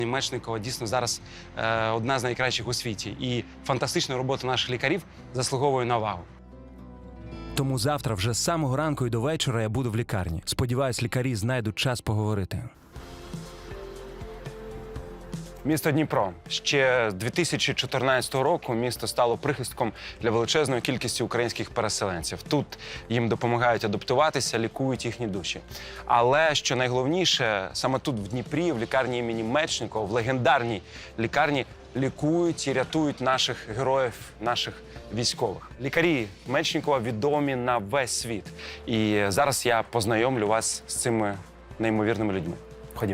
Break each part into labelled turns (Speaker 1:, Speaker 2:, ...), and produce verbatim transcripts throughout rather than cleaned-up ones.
Speaker 1: Мечникова дійсно зараз е, одна з найкращих у світі. І фантастична робота наших лікарів заслуговує на увагу.
Speaker 2: Тому завтра вже з самого ранку і до вечора я буду в лікарні. Сподіваюсь, лікарі знайдуть час поговорити.
Speaker 1: Місто Дніпро. Ще з дві тисячі чотирнадцятого року місто стало прихистком для величезної кількості українських переселенців. Тут їм допомагають адаптуватися, лікують їхні душі. Але, що найголовніше, саме тут, в Дніпрі, в лікарні імені Мечникова, в легендарній лікарні, лікують і рятують наших героїв, наших військових. Лікарі Мечникова відомі на весь світ. І зараз я познайомлю вас з цими неймовірними людьми. Ходімо.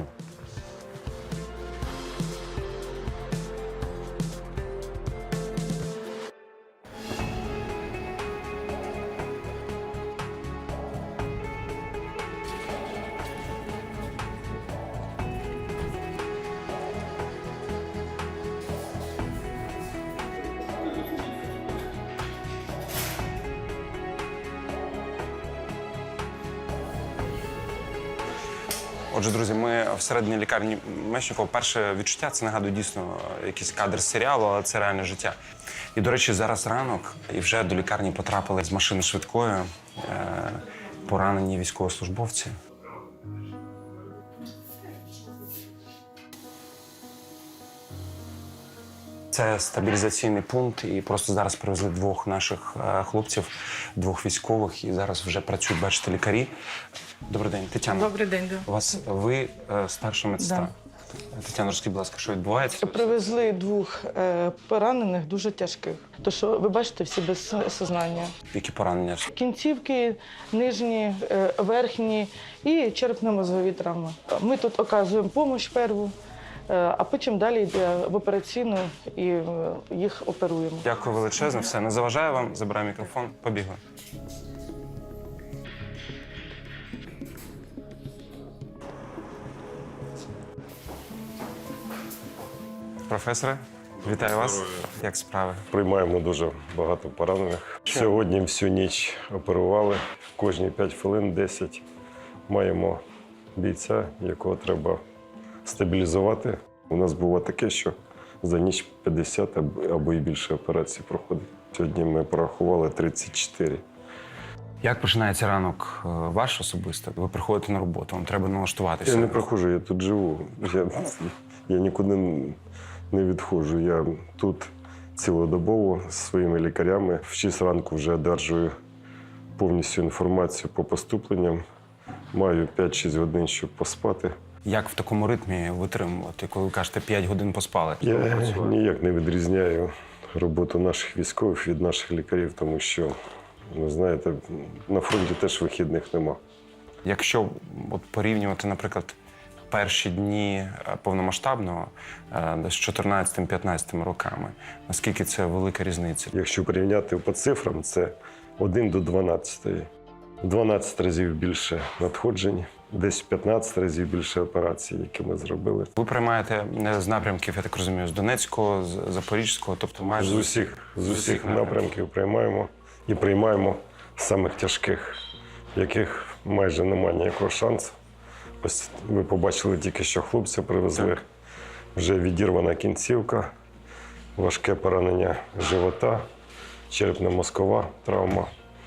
Speaker 1: Отже, друзі, ми всередині лікарні Мечникова. Перше відчуття – це, нагадую, дійсно якийсь кадр з серіалу, але це реальне життя. І, до речі, зараз ранок, і вже до лікарні потрапили з машини швидкої е, поранені військовослужбовці. Це стабілізаційний пункт, і просто зараз привезли двох наших е, хлопців, двох військових, і зараз вже працюють, бачите, лікарі. Добрий день, Тетяна.
Speaker 3: Добрий день, да.
Speaker 1: У вас ви е, старша медсестра.
Speaker 3: Да.
Speaker 1: Тетяна, розкажіть, будь ласка, що відбувається?
Speaker 3: Привезли двох е, поранених, дуже тяжких. То що ви бачите, всі без сознання.
Speaker 1: Які поранення?
Speaker 3: Кінцівки, нижні, е, верхні і черепно-мозгові травми. Ми тут оказуємо допомогу перву, е, а потім далі йде в операційну і е, їх оперуємо.
Speaker 1: Дякую величезно. Все, не заважаю вам. Забираю мікрофон. Побігли. Професоре, вітаю вас. Як справи?
Speaker 4: Приймаємо дуже багато поранених. Сьогодні всю ніч оперували. Кожні п'ять хвилин, десять маємо бійця, якого треба стабілізувати. У нас було таке, що за ніч п'ятдесят або і більше операцій проходить. Сьогодні ми порахували тридцять чотири.
Speaker 1: Як починається ранок ваш особисто? Ви приходите на роботу, вам треба налаштуватися.
Speaker 4: Я не проходжу, я тут живу. Я, я нікуди не відходжу. Я тут цілодобово зі своїми лікарями. В шість ранку вже одержую повністю інформацію по поступленням. Маю п'ять-шість годин, щоб поспати.
Speaker 1: Як в такому ритмі витримувати, коли ви кажете п'ять годин поспали?
Speaker 4: Я ніяк не відрізняю роботу наших військових від наших лікарів, тому що, ви знаєте, на фронті теж вихідних нема.
Speaker 1: Якщо от порівнювати, наприклад, перші дні повномасштабного з чотирнадцятим-п'ятнадцятим роками, наскільки це велика різниця?
Speaker 4: Якщо порівняти по цифрам, це один до дванадцяти. дванадцять разів більше надходжень, десь п'ятнадцять разів більше операцій, які ми зробили.
Speaker 1: Ви приймаєте з напрямків, я так розумію, з Донецького, з Запорізького, тобто майже
Speaker 4: З усіх, з усіх напрямків приймаємо. І приймаємо самих тяжких, яких майже немає ніякого шансу. Ось ви побачили тільки, що хлопця привезли. Так. Вже відірвана кінцівка, важке поранення живота, черепно-мозкова травма.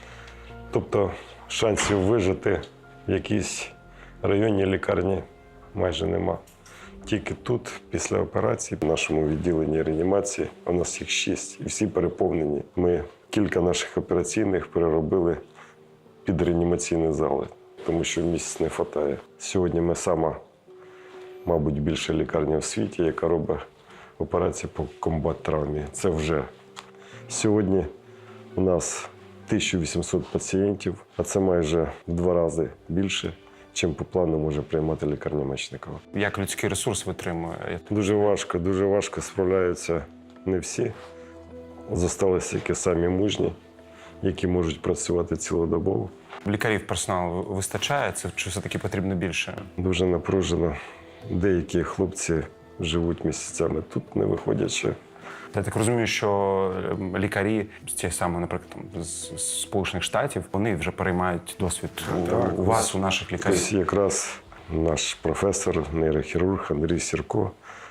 Speaker 4: Тобто шансів вижити в якійсь районній лікарні майже нема. Тільки тут, після операції, в нашому відділенні реанімації, у нас їх шість, і всі переповнені. Ми кілька наших операційних переробили під реанімаційні зали, тому що місць не вистачає. Сьогодні ми сама, мабуть, більша лікарня в світі, яка робить операції по комбат-травмі. Це вже. Сьогодні у нас тисяча вісімсот пацієнтів, а це майже в два рази більше, чим по плану може приймати лікарня Мечникова.
Speaker 1: Як людський ресурс витримує?
Speaker 4: Дуже важко, дуже важко справляються не всі. Зосталися тільки самі мужні, які можуть працювати цілодобово.
Speaker 1: Лікарів персоналу вистачає? Це чи все-таки потрібно більше?
Speaker 4: Дуже напружено. Деякі хлопці живуть місяцями тут, не виходячи.
Speaker 1: Я так розумію, що лікарі з тієї самої, наприклад, там, з Сполучених Штатів, вони вже переймають досвід
Speaker 4: Так,
Speaker 1: у вас, у наших лікарів.
Speaker 4: Ось якраз наш професор, нейрохірург Андрій Сірко,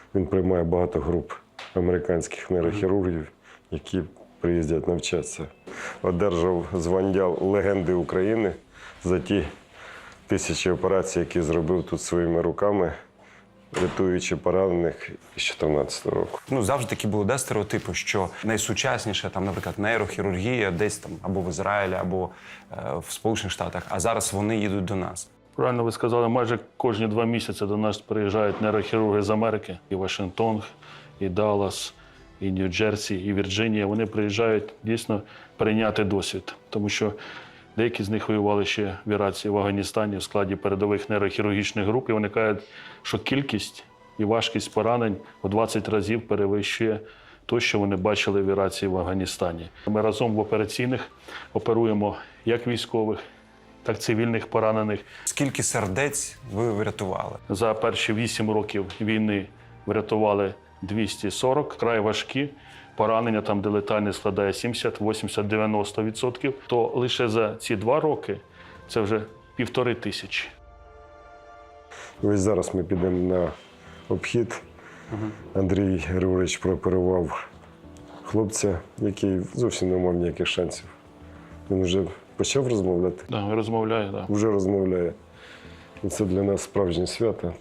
Speaker 4: Він приймає багато груп американських нейрохірургів, які приїздять навчатися. Одержав звання легенди України за ті тисячі операцій, які зробив тут своїми руками, рятуючи поранених з чотирнадцятого року.
Speaker 1: Ну, завжди такі були, да, стереотипи, що найсучасніше, там, наприклад, нейрохірургія десь там або в Ізраїлі, або е, в Сполучених Штатах, а зараз вони їдуть до нас.
Speaker 5: Правильно ви сказали, майже кожні два місяці до нас приїжджають нейрохірурги з Америки. І Вашингтон, і Даллас, і Нью-Джерсі, і Вірджинія. Вони приїжджають дійсно прийняти досвід. Тому що деякі з них воювали ще в Іраці, в Афганістані в складі передових нейрохірургічних груп. І вони кажуть, що кількість і важкість поранень у двадцять разів перевищує те, що вони бачили в Іраці і в Афганістані. Ми разом в операційних оперуємо як військових, так цивільних поранених.
Speaker 1: Скільки сердець ви врятували?
Speaker 5: За перші вісім років війни врятували двісті сорок, край важкі. Поранення, там, де летальність складає сімдесят, вісімдесят, дев'яносто відсотків, то лише за ці два роки це вже півтори тисячі.
Speaker 4: Ось зараз ми підемо на обхід. Андрій Григорович прооперував хлопця, який зовсім не мав ніяких шансів. Він вже почав розмовляти?
Speaker 5: Да, розмовляє, да.
Speaker 4: Вже розмовляє. І це для нас справжнє свято.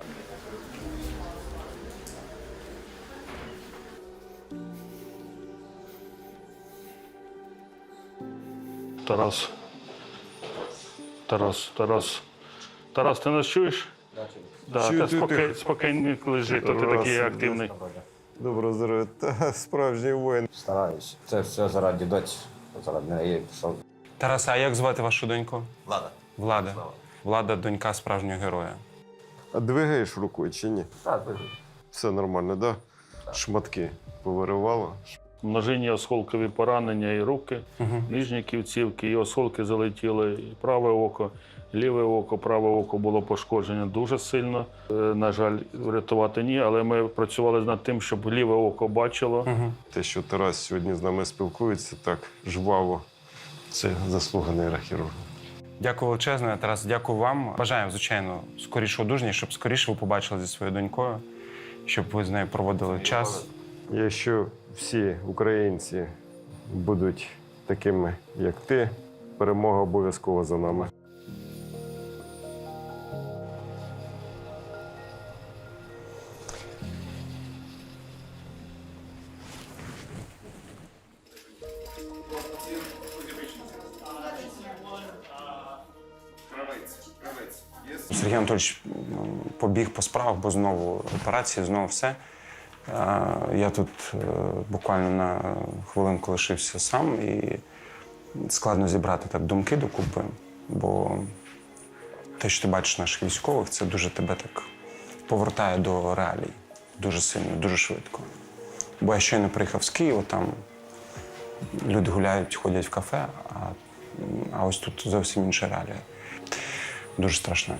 Speaker 5: Тарас. Тарас, Тарас. Тарас, ти нас чуєш? Да,
Speaker 4: Чую,
Speaker 5: та
Speaker 4: чую,
Speaker 5: спокій,
Speaker 4: тихо.
Speaker 5: спокійно лежи, то ти
Speaker 4: Раз,
Speaker 5: такий
Speaker 4: два.
Speaker 5: активний.
Speaker 4: Доброго здоров'я. Та справжній воїн.
Speaker 6: Стараюсь. Це все заради доці, заради неї пішов.
Speaker 1: Тараса, а як звати вашу доньку?
Speaker 6: Влада.
Speaker 1: Влада. Влада – донька справжнього героя.
Speaker 4: А двигаєш рукою чи ні?
Speaker 6: Так, ви-
Speaker 4: Все нормально, так? Да? Шматки повиривало.
Speaker 5: Множинні осколкові поранення і руки, нижні кінцівки, і осколки залетіли, і праве око, ліве око, праве око було пошкоджено дуже сильно. Е, На жаль, врятувати ні, але ми працювали над тим, щоб ліве око бачило.
Speaker 4: Те, що Тарас сьогодні з нами спілкується так жваво, це заслуга нейрохірурга.
Speaker 1: Дякую величезно, Тарас, дякую вам. Бажаємо, звичайно, скорішого одужання, щоб скоріше ви побачили зі своєю донькою, щоб ви з нею проводили час.
Speaker 4: Якщо всі українці будуть такими, як ти, перемога обов'язково за нами.
Speaker 1: Сергій Анатольович м, побіг по справах, бо знову операції, знову все. А, Я тут е, буквально на хвилинку лишився сам і складно зібрати так думки докупи, бо те, що ти бачиш наших військових, це дуже тебе так повертає до реалій. Дуже сильно, дуже швидко. Бо я щойно приїхав з Києва, там люди гуляють, ходять в кафе, а, а ось тут зовсім інша реалія. Дуже страшно.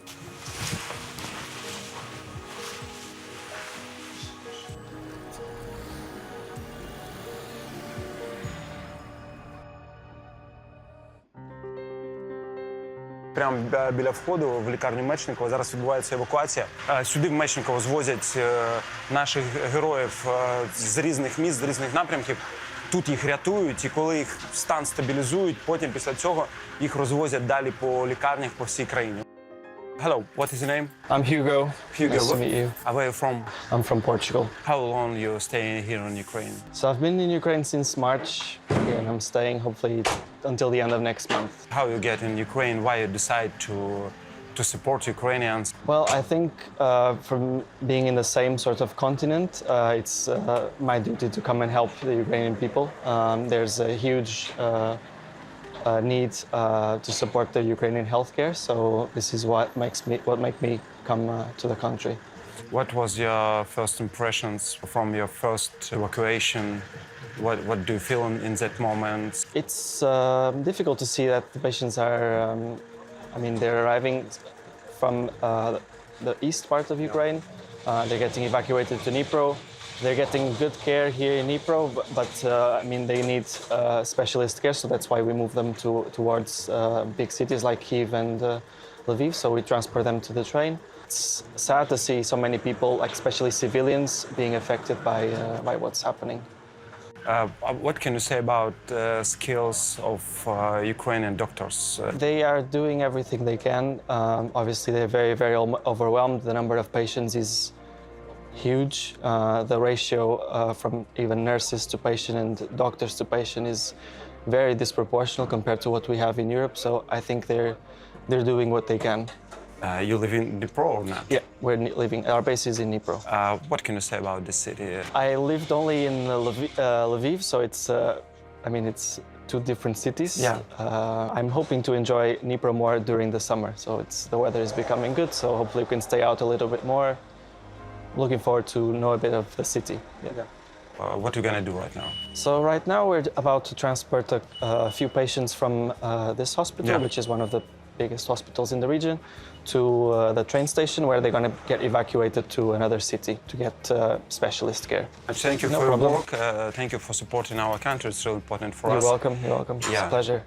Speaker 1: Прямо бі- біля входу в лікарню Мечникова зараз відбувається евакуація. Е, Сюди в Мечниково звозять е, наших героїв е, з різних міст, з різних напрямків. Тут їх рятують, і коли їх стан стабілізують, потім після цього їх розвозять далі по лікарнях по всій країні. Hello, what is your name?
Speaker 7: I'm Hugo.
Speaker 1: Hugo.
Speaker 7: Nice to meet you.
Speaker 1: Where are you from?
Speaker 7: I'm from Portugal.
Speaker 1: How long you staying here in Ukraine?
Speaker 7: So I've been in Ukraine since March, and I'm staying hopefully until the end of next month.
Speaker 1: How you get in Ukraine? Why you decide to to support Ukrainians?
Speaker 7: Well, I think uh, from being in the same sort of continent, uh, it's uh, my duty to come and help the Ukrainian people. Um, there's a huge uh, uh, need uh, to support the Ukrainian healthcare, so this is what makes me what make me come uh, to the country.
Speaker 1: What was your first impressions from your first evacuation? What what do you feel in, in that moment?
Speaker 7: It's uh, difficult to see that the patients are, um, I mean, they're arriving from uh, the east part of Ukraine. Uh, they're getting evacuated to Dnipro. They're getting good care here in Dnipro, but, but uh, I mean, they need uh, specialist care, so that's why we move them to, towards uh, big cities like Kyiv and uh, Lviv, so we transfer them to the train. it's sad to see so many people, like especially civilians, being affected by uh, by what's happening.
Speaker 1: Uh, what can you say about uh, skills of uh, Ukrainian doctors? Uh,
Speaker 7: They are doing everything they can. Um, obviously, they're very, very om- overwhelmed. The number of patients is huge. Uh, the ratio uh, from even nurses to patient and doctors to patient is very disproportional compared to what we have in Europe. So I think they're they're doing what they can.
Speaker 1: uh, you live in Dnipro or not?
Speaker 7: Yeah, we're ni- living. Our base is in Dnipro.
Speaker 1: Uh, what can you say about this city?
Speaker 7: I lived only in uh, Lviv, uh, Lviv, so it's. Uh, I mean, it's two different cities.
Speaker 1: Yeah.
Speaker 7: Uh, I'm hoping to enjoy Dnipro more during the summer. So it's the weather is becoming good. So hopefully we can stay out a little bit more. Looking forward to know a bit of the city. Yeah.
Speaker 1: Uh, what are you gonna do right now?
Speaker 7: So right now we're about to transport a, a few patients from uh, this hospital,
Speaker 1: Yeah.
Speaker 7: which is one of the biggest hospitals in the region, to uh, the train station where they're going to get evacuated to another city to get uh, specialist care.
Speaker 1: Thank you
Speaker 7: No
Speaker 1: for
Speaker 7: problem.
Speaker 1: your work. Uh, thank you for supporting our country. It's really important for
Speaker 7: You're
Speaker 1: us.
Speaker 7: welcome. You're welcome. It's
Speaker 1: Yeah.
Speaker 7: a pleasure.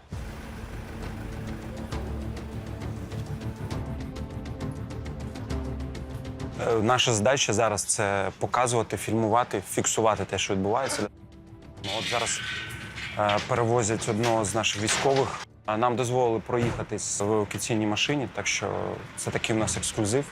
Speaker 1: Е, Наша задача зараз це показувати, фільмувати, фіксувати те, що відбувається. От зараз е, перевозять одного з наших військових. А нам дозволили проїхатись в евакуаційній машині, так що це такий у нас ексклюзив.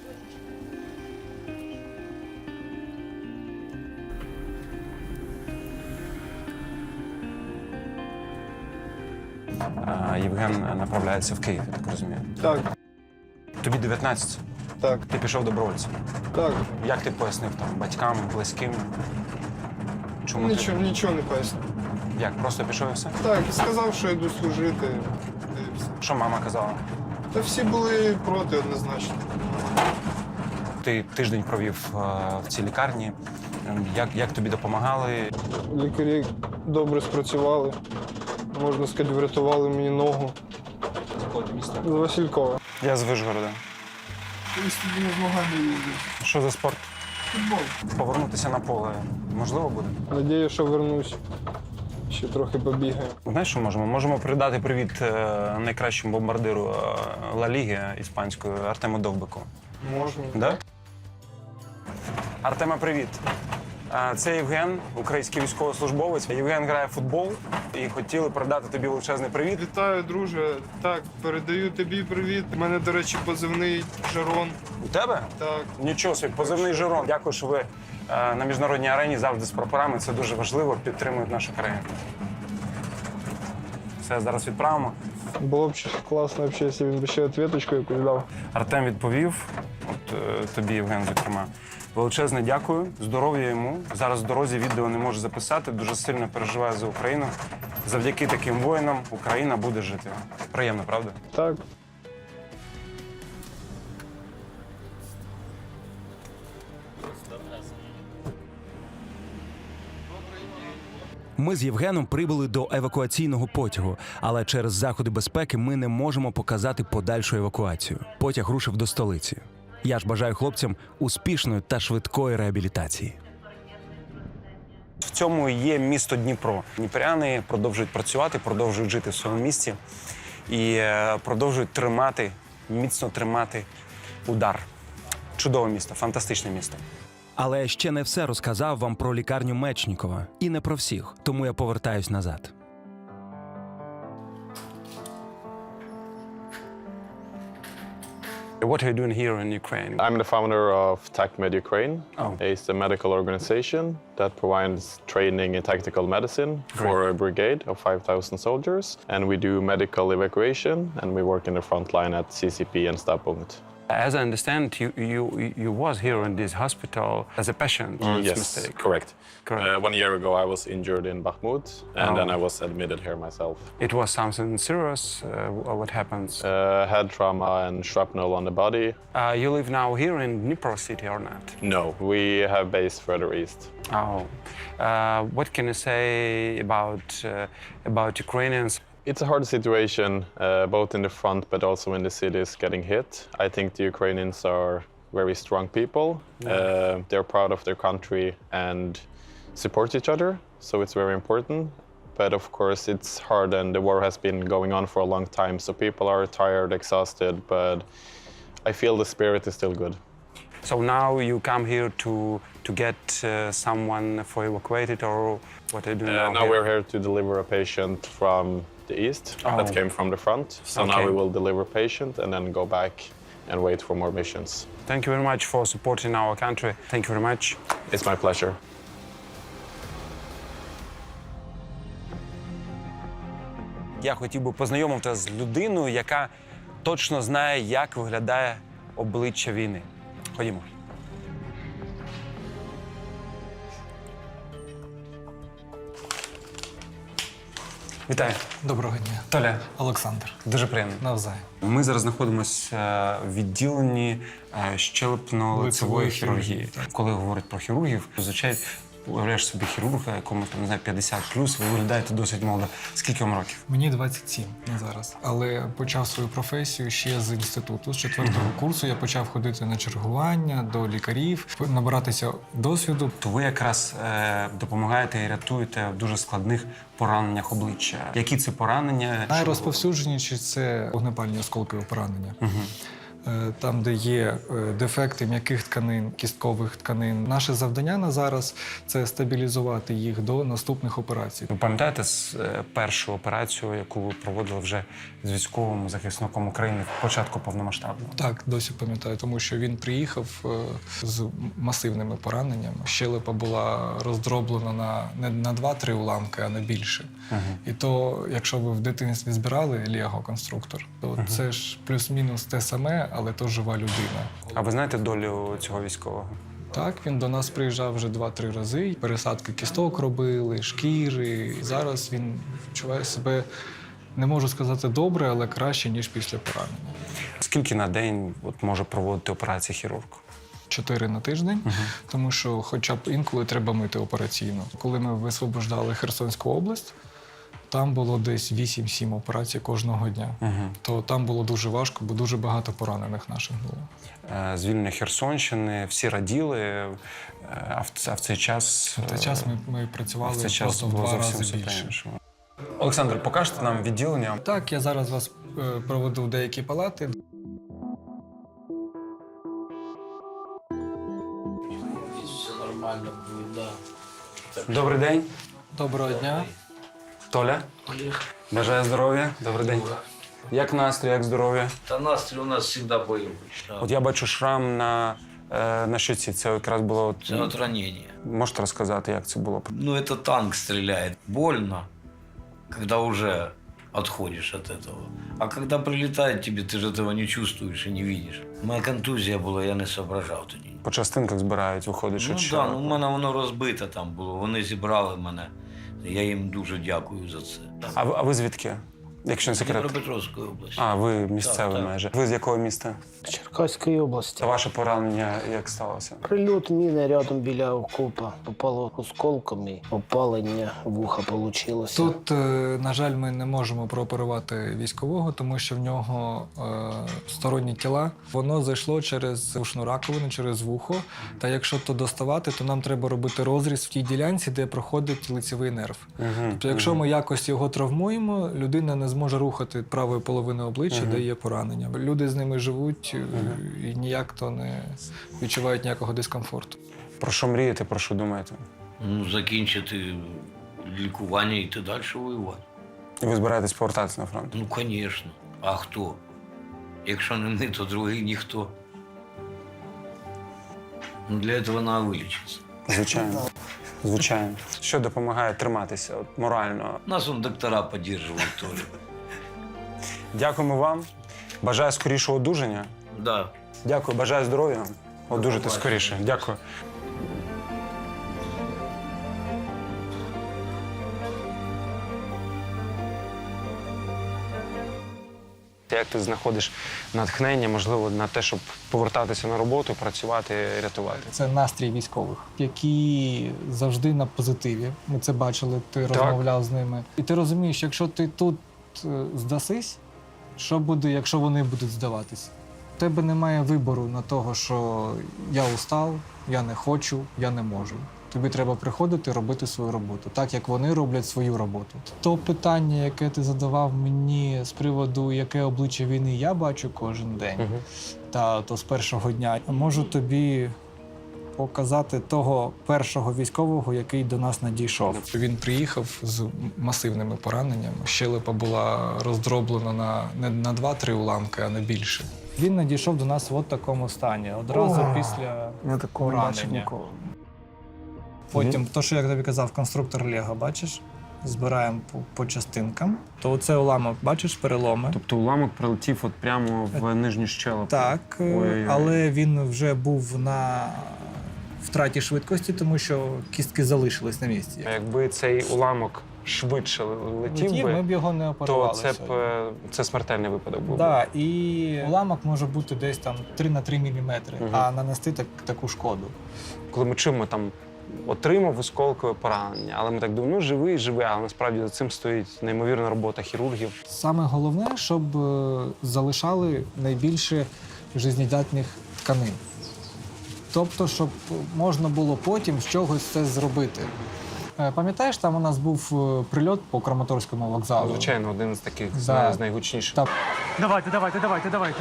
Speaker 1: Е, Євген направляється в Київ, я так розумію.
Speaker 8: Так,
Speaker 1: Тобі дев'ятнадцять.
Speaker 8: так,
Speaker 1: Ти пішов добровольцем.
Speaker 8: так.
Speaker 1: Як ти пояснив там батькам, близьким? Чому
Speaker 8: Нічого, нічого не поясню.
Speaker 1: ти? Як, просто пішов і все?
Speaker 8: Так, сказав, що йду служити. Та й все.
Speaker 1: Що мама казала?
Speaker 8: Та всі були проти однозначно.
Speaker 1: Ти тиждень провів е, в цій лікарні. Ем, Як, як тобі допомагали?
Speaker 8: Лікарі добре спрацювали. Можна сказати, врятували мені ногу. З Василькова.
Speaker 1: Я з Вишгорода.
Speaker 8: Колись тоді на змагання їздив.
Speaker 1: Що за спорт?
Speaker 8: Футбол.
Speaker 1: Повернутися на поле можливо буде?
Speaker 8: Надію, що вернусь. Ще трохи побігаю.
Speaker 1: Знаєш, що можемо? Можемо передати привіт е, найкращому бомбардиру е, Ла Ліги іспанської Артему Довбику.
Speaker 8: Можна.
Speaker 1: Да? Артема, привіт. А, Це Євген, український військовослужбовець. Євген грає в футбол і хотіли передати тобі величезний привіт.
Speaker 8: Вітаю, друже. Так, передаю тобі привіт. У мене, до речі, позивний Жарон.
Speaker 1: У тебе?
Speaker 8: Так.
Speaker 1: Нічого собі, позивний Жерон. Дякую, що ви е, на міжнародній арені завжди з прапорами. Це дуже важливо, підтримують нашу країну. Все, зараз відправимо.
Speaker 8: Було б класно, якщо він би ще відповідочку якусь дав.
Speaker 1: Артем відповів, от е, тобі, Євген, зокрема. Величезне дякую, здоров'я йому. Зараз в дорозі відео не можу записати, дуже сильно переживаю за Україну. Завдяки таким воїнам Україна буде жити. Приємно, правда?
Speaker 8: Так.
Speaker 2: Ми з Євгеном прибули до евакуаційного потягу, але через заходи безпеки ми не можемо показати подальшу евакуацію. Потяг рушив до столиці. Я ж бажаю хлопцям успішної та швидкої реабілітації.
Speaker 1: В цьому і є місто Дніпро. Дніпряни продовжують працювати, продовжують жити в своєму місті і е, продовжують тримати, міцно тримати удар. Чудове місто, фантастичне місто.
Speaker 2: Але я ще не все розказав вам про лікарню Мечнікова. І не про всіх, тому я повертаюсь назад.
Speaker 1: What are you doing here in Ukraine?
Speaker 9: I'm the founder of TACMed Ukraine.
Speaker 1: Oh.
Speaker 9: It's a medical organization that provides training in tactical medicine for a brigade of five thousand soldiers. And we do medical evacuation, and we work in the front line at C C P and Stadtpunkt.
Speaker 1: As I understand, you, you, you was here in this hospital as a patient. or it's
Speaker 9: Yes,
Speaker 1: mistake?
Speaker 9: correct.
Speaker 1: Correct.
Speaker 9: Uh, one year ago, I was injured in Bakhmut, and
Speaker 1: Oh.
Speaker 9: then I was admitted here myself.
Speaker 1: It was something serious. Uh, what happens?
Speaker 9: Uh, head trauma and shrapnel on the body.
Speaker 1: Uh, you live now here in Dnipro city or not?
Speaker 9: No, we have base further east.
Speaker 1: Oh, uh, what can you say about uh, about Ukrainians?
Speaker 9: It's a hard situation, uh, both in the front but also in the cities getting hit. I think the Ukrainians are very strong people. Uh, they're proud of their country and support each other, so it's very important. But of course, it's hard, and the war has been going on for a long time, so people are tired, exhausted. But I feel the spirit is still good.
Speaker 1: So now you come here to to get uh, someone for evacuated, or what are you doing
Speaker 9: Uh,
Speaker 1: now?
Speaker 9: now
Speaker 1: here?
Speaker 9: we're here to deliver a patient from the east
Speaker 1: Oh.
Speaker 9: that came from the front. So now
Speaker 1: Okay.
Speaker 9: we will deliver patient and then go back and wait for more missions.
Speaker 1: Thank you very much for supporting our country. Thank you very much.
Speaker 9: It's my pleasure.
Speaker 1: Я хотів би познайомити з людиною, яка точно знає, як виглядає обличчя війни. Ходімо. Вітаю.
Speaker 10: Доброго дня.
Speaker 1: Толя,
Speaker 10: Олександр.
Speaker 1: дуже приємно.
Speaker 10: Навзаєм.
Speaker 1: Ми зараз знаходимося в відділенні е, щелепно-лицевої
Speaker 10: Лицевої
Speaker 1: хірургії.
Speaker 10: хірургії,
Speaker 1: Коли говорять про хірургів, зазвичай уявляєш собі хірурга, якому там не знаю, п'ятдесят плюс, ви виглядаєте досить молодо. Скільки вам років?
Speaker 10: Мені двадцять сім на зараз, але почав свою професію ще з інституту. З четвертого курсу я почав ходити на чергування до лікарів, набиратися досвіду.
Speaker 1: То ви якраз е, допомагаєте і рятуєте в дуже складних пораненнях обличчя. Які це поранення?
Speaker 10: Найрозповсюдженіші – це вогнепальні осколкові поранення. Е, Там, де є е, дефекти м'яких тканин, кісткових тканин. Наше завдання на зараз – це стабілізувати їх до наступних операцій.
Speaker 1: Ви пам'ятаєте з, е, першу операцію, яку ви проводили вже з військовим захисником України в початку повномасштабного?
Speaker 10: Так, досі пам'ятаю, тому що він приїхав е, з масивними пораненнями. Щелепа була роздроблена на не на два-три уламки, а на більше. Uh-huh. І то, якщо ви в дитинстві збирали Лего-конструктор, то uh-huh. це ж плюс-мінус те саме, але то жива людина.
Speaker 1: А ви знаєте долю цього військового?
Speaker 10: Так, він до нас приїжджав вже два-три рази. Пересадки кісток робили, шкіри. І зараз він відчуває себе, не можу сказати добре, але краще, ніж після поранення.
Speaker 1: Скільки на день от, може проводити операції хірург?
Speaker 10: Чотири на тиждень,
Speaker 1: uh-huh.
Speaker 10: тому що хоча б інколи треба мити операційно. Коли ми висвобождали Херсонську область, там було десь вісім-сім операцій кожного дня. Uh-huh. То там було дуже важко, бо дуже багато поранених наших було.
Speaker 1: Звільнення Херсонщини, всі раділи, а в, а в цей час...
Speaker 10: В цей час ми, ми працювали
Speaker 1: в цей час
Speaker 10: просто в
Speaker 1: було
Speaker 10: два
Speaker 1: зовсім
Speaker 10: рази
Speaker 1: все
Speaker 10: більше.
Speaker 1: інше. Олександр, покажете нам відділення?
Speaker 10: Так, я зараз вас е, проведу в деякі палати.
Speaker 11: Все нормально буде, да.
Speaker 1: Добрий день.
Speaker 10: Доброго дня.
Speaker 1: Толя.
Speaker 11: Олег.
Speaker 1: Бажаю здоров'я. Добрий день. Як настрій, як здоров'я?
Speaker 11: Та настрій у нас завжди бойовий. Да.
Speaker 1: От я бачу шрам на, е, на щоці. Це якраз було... От,
Speaker 11: Це от ранення.
Speaker 1: можете розказати, як це було?
Speaker 11: Ну, это танк стреляет. Больно, когда уже отходишь от этого. А когда прилетает тебе, ты же этого не чувствуешь и не видишь. У мене контузія була, я не соображав тоді.
Speaker 1: По частинках збирають, виходить, що
Speaker 11: Ну так, да, ну, у мене воно розбите там було. Вони зібрали мене. Я їм дуже дякую за це.
Speaker 1: А ви, а ви звідки? Якщо не секрет.
Speaker 11: Дніпропетровської області.
Speaker 1: А, ви місцевий
Speaker 11: Так, так.
Speaker 1: майже. Ви з якого міста?
Speaker 12: Черкаської області.
Speaker 1: Це ваше поранення як сталося?
Speaker 12: Прильот міни рядом біля окопа. Попало осколками, опалення вуха вийшло.
Speaker 10: Тут, е, на жаль, ми не можемо прооперувати військового, тому що в нього е, сторонні тіла. Воно зайшло через ушну раковину, через вухо. Та якщо то доставати, то нам треба робити розріз в тій ділянці, де проходить лицевий нерв.
Speaker 1: Угу,
Speaker 10: Тобто, якщо ми якось його травмуємо, людина не зможе рухати правою половиною обличчя,
Speaker 1: Угу.
Speaker 10: де є поранення. Люди з ними живуть угу. і ніяк то не відчувають ніякого дискомфорту.
Speaker 1: Про що мрієте, про що думаєте?
Speaker 11: Ну, закінчити лікування і йти далі воювати.
Speaker 1: І ви збираєтесь повертатися на фронт?
Speaker 11: Ну, звісно. А хто? Якщо не ми, то другий ніхто. Ну, для цього треба вилічитися.
Speaker 1: Звичайно. Звичайно. Що допомагає триматися от, морально?
Speaker 11: Нас он доктора підтримують теж.
Speaker 1: Дякуємо вам. Бажаю скорішого одужання.
Speaker 11: Да.
Speaker 1: Дякую, бажаю здоров'я. Одужати скоріше. Дякую. Як ти знаходиш натхнення, можливо, на те, щоб повертатися на роботу, працювати, рятувати?
Speaker 10: Це настрій військових, які завжди на позитиві. Ми це бачили, ти
Speaker 1: Так.
Speaker 10: розмовляв з ними. І ти розумієш, якщо ти тут е, здасись, що буде, якщо вони будуть здаватись? У тебе немає вибору на того, що я устав, я не хочу, я не можу. Тобі треба приходити, робити свою роботу, так як вони роблять свою роботу. То питання, яке ти задавав мені з приводу, яке обличчя війни я бачу кожен день,
Speaker 1: Угу.
Speaker 10: та то з першого дня, можу тобі показати того першого військового, який до нас надійшов. Він приїхав з масивними пораненнями. Щелепа була роздроблена на не на два-три уламки, а не більше. Він надійшов до нас в от такому стані, одразу
Speaker 12: О,
Speaker 10: після
Speaker 12: Я такого не бачив
Speaker 10: поранення.
Speaker 12: ніколи.
Speaker 10: Потім, то, що я тобі казав, конструктор Лего, бачиш? Збираємо по, по частинкам. То оце уламок, бачиш, переломи.
Speaker 1: Тобто уламок прилетів от прямо в нижню щелепу.
Speaker 10: Так, е,
Speaker 1: Ой-ой-ой.
Speaker 10: але він вже був на втраті швидкості, тому що кістки залишились на місці.
Speaker 1: А якби цей уламок швидше летів
Speaker 10: Летів,
Speaker 1: би,
Speaker 10: ми б його не
Speaker 1: то
Speaker 10: оперували.
Speaker 1: це б
Speaker 10: сьогодні.
Speaker 1: е, це смертельний випадок був. би.
Speaker 10: Да, і уламок може бути десь там три на три міліметри,
Speaker 1: Мгм.
Speaker 10: а нанести так, таку шкоду.
Speaker 1: Коли ми чуємо там отримав осколкове поранення, але ми так думаємо, ну живий, живий, але насправді за цим стоїть неймовірна робота хірургів.
Speaker 10: Саме головне, щоб е, залишали найбільше жизнєдатних тканин. Тобто, щоб можна було потім з чогось це зробити. Е, Пам'ятаєш, там у нас був е, прильот по Краматорському вокзалу?
Speaker 1: Звичайно, один з таких
Speaker 10: Да.
Speaker 1: з найгучніших.
Speaker 10: Та-
Speaker 12: Давайте, давайте, давайте, давайте.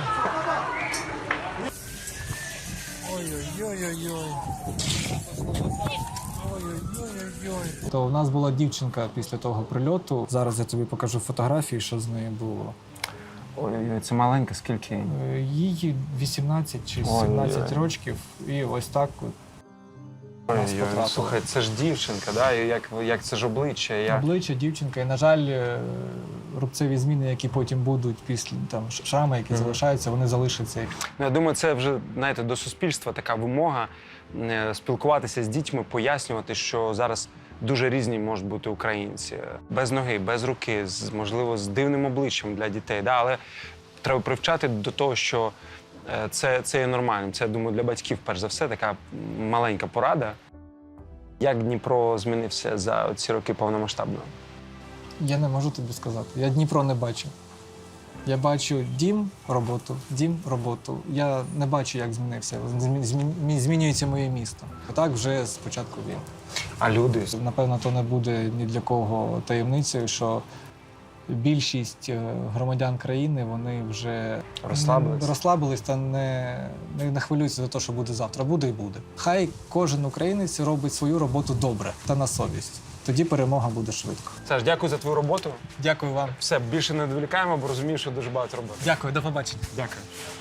Speaker 10: То у нас була дівчинка після того прильоту. Зараз я тобі покажу фотографії, що з нею було.
Speaker 1: Ой, це маленька, скільки?
Speaker 10: Е, Їй вісімнадцять чи
Speaker 1: Ой-ой-ой.
Speaker 10: сімнадцять років, і ось так от нас
Speaker 1: Ой,
Speaker 10: потрапило.
Speaker 1: слухай, це ж дівчинка, да? І як, як це ж обличчя? Я...
Speaker 10: Обличчя, дівчинка, і, на жаль, е, рубцеві зміни, які потім будуть після там шрами, які
Speaker 1: Мгм.
Speaker 10: залишаються, вони залишаться.
Speaker 1: Ну, я думаю, це вже, знаєте, до суспільства така вимога е, спілкуватися з дітьми, пояснювати, що зараз дуже різні можуть бути українці. Без ноги, без руки, з, можливо, з дивним обличчям для дітей. Да? Але треба привчати до того, що е, це, це є нормальним. Це, я думаю, для батьків, перш за все, така маленька порада. Як Дніпро змінився за ці роки повномасштабно?
Speaker 10: Я не можу тобі сказати. Я Дніпро не бачу. Я бачу дім, роботу, дім, роботу. Я не бачу, як змінився. Змі- змі- Змінюється моє місто. Так вже з початку війни.
Speaker 1: А люди?
Speaker 10: Напевно, то не буде ні для кого таємницею, що більшість е, громадян країни вони вже
Speaker 1: Розслабились?
Speaker 10: м, розслабились та не, не, не хвилюються за те, що буде завтра. Буде і буде. Хай кожен українець робить свою роботу добре та на совість. Тоді перемога буде швидко.
Speaker 1: Саш, дякую за твою роботу.
Speaker 10: Дякую вам.
Speaker 1: Все, більше не відволікаємо, бо розумію, що дуже багато роботи.
Speaker 10: Дякую, до побачення.
Speaker 1: Дякую.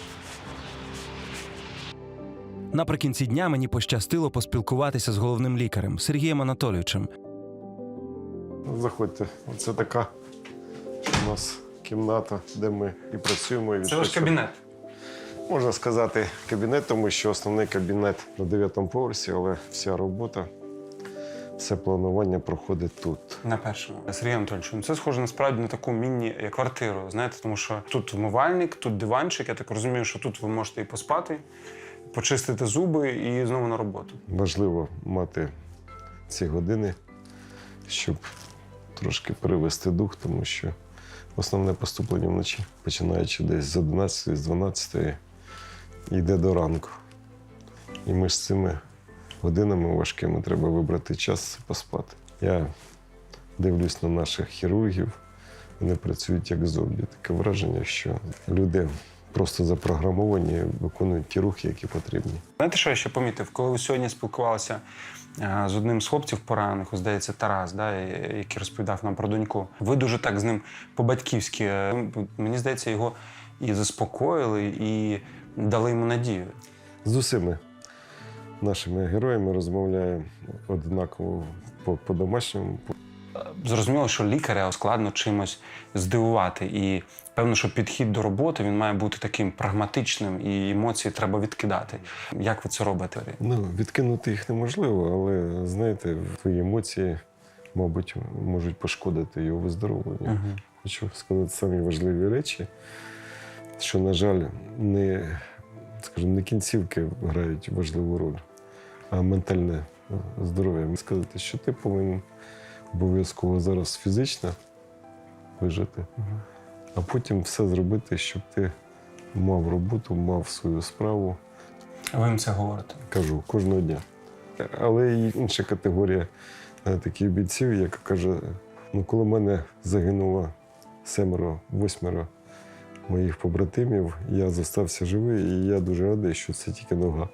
Speaker 2: Наприкінці дня мені пощастило поспілкуватися з головним лікарем Сергієм Анатолійовичем.
Speaker 4: Заходьте. Це така у нас кімната, де ми і працюємо, і
Speaker 1: Це ваш
Speaker 4: відпочиваємо.
Speaker 1: кабінет.
Speaker 4: Можна сказати кабінет, тому що основний кабінет на дев'ятому поверсі, але вся робота, все планування проходить тут.
Speaker 1: На першому. Сергій Анатольович, ну це схоже насправді на таку міні-квартиру, знаєте, тому що тут вмивальник, тут диванчик. Я так розумію, що тут ви можете і поспати, почистити зуби і знову на роботу.
Speaker 4: Важливо мати ці години, щоб трошки перевести дух, тому що основне поступлення вночі, починаючи десь з одинадцятої, з дванадцятої, йде до ранку. І між цими годинами важкими треба вибрати час і поспати. Я дивлюсь на наших хірургів, вони працюють як зомбі. Таке враження, що люди просто запрограмовані, виконують ті рухи, які потрібні.
Speaker 1: Знаєте, що я ще помітив? Коли ви сьогодні спілкувалися е, з одним з хлопців поранених, ось, здається, Тарас, да, і- який розповідав нам про доньку, ви дуже так з ним по-батьківськи, е, мені здається, його і заспокоїли, і дали йому надію.
Speaker 4: З усіма нашими героями розмовляємо однаково по- по-домашньому.
Speaker 1: Зрозуміло, що лікаря складно чимось здивувати. І певно, що підхід до роботи він має бути таким прагматичним, і емоції треба відкидати. Як ви це робите?
Speaker 4: Ну, відкинути їх неможливо, але, знаєте, твої емоції, мабуть, можуть пошкодити його виздоровленню.
Speaker 1: Угу.
Speaker 4: Хочу сказати самі важливі речі, що, на жаль, не, скажімо, не кінцівки грають важливу роль, а ментальне здоров'я. Сказати, що ти повинен обов'язково зараз фізично вижити, а потім все зробити, щоб ти мав роботу, мав свою справу.
Speaker 1: Ви їм це говорите?
Speaker 4: Кажу, кожного дня. Але і інша категорія е, таких бійців, яка каже, ну коли в мене загинуло семеро, восьмеро моїх побратимів, я зостався живий, і я дуже радий, що це тільки нога.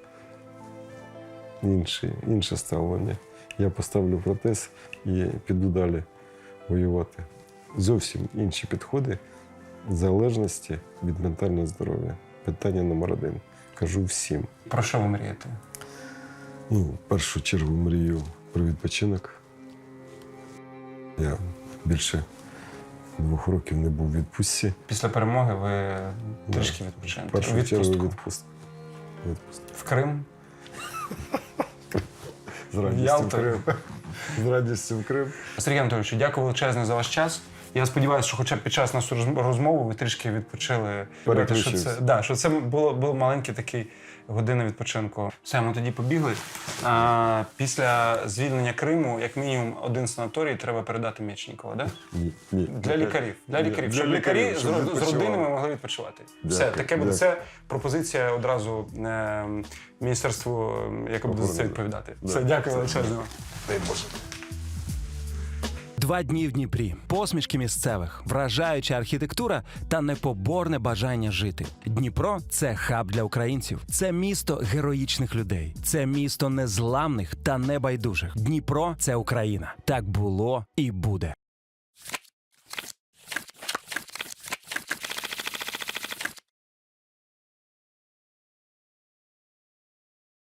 Speaker 4: Інше, інше ставлення. Я поставлю протез і піду далі воювати. Зовсім інші підходи в залежності від ментального здоров'я. Питання номер один. Кажу всім.
Speaker 1: Про що ви мрієте?
Speaker 4: Ну, в першу чергу мрію про відпочинок. Я більше двох років не був у відпустці.
Speaker 1: Після перемоги ви трішки
Speaker 4: В
Speaker 1: відпочинете.
Speaker 4: першу
Speaker 1: Відпустку.
Speaker 4: чергу відпустку. Відпустку.
Speaker 1: В Крим?
Speaker 4: З радістю в
Speaker 1: Ялту.
Speaker 4: Крим. З радістю в Крим.
Speaker 1: Сергій Анатолійович, дякую величезне за ваш час. Я сподіваюся, що хоча б під час нашої розм- розмови ви трішки відпочили. Що
Speaker 4: Переключився.
Speaker 1: це, да, що це було, було маленький такий година відпочинку. Все, ми тоді побігли. А, після звільнення Криму, як мінімум, один санаторій треба передати Мечникова, да?
Speaker 4: Ні, ні.
Speaker 1: Для лікарів. Для
Speaker 4: Ні,
Speaker 1: лікарів.
Speaker 4: для
Speaker 1: Щоб лікарі
Speaker 4: лікарів, щоб
Speaker 1: з, ро- з
Speaker 4: відпочивали.
Speaker 1: родинами могли відпочивати. Все,
Speaker 4: Дякую,
Speaker 1: таке буде.
Speaker 4: дякую.
Speaker 1: Це пропозиція одразу е, міністерству, е, яке буде за це
Speaker 4: Охорони.
Speaker 1: відповідати.
Speaker 4: Да.
Speaker 1: Все, дякую величезно. Дай Боже.
Speaker 2: Два дні в Дніпрі, посмішки місцевих, вражаюча архітектура та непоборне бажання жити. Дніпро – це хаб для українців. Це місто героїчних людей. Це місто незламних та небайдужих. Дніпро – це Україна. Так було і буде.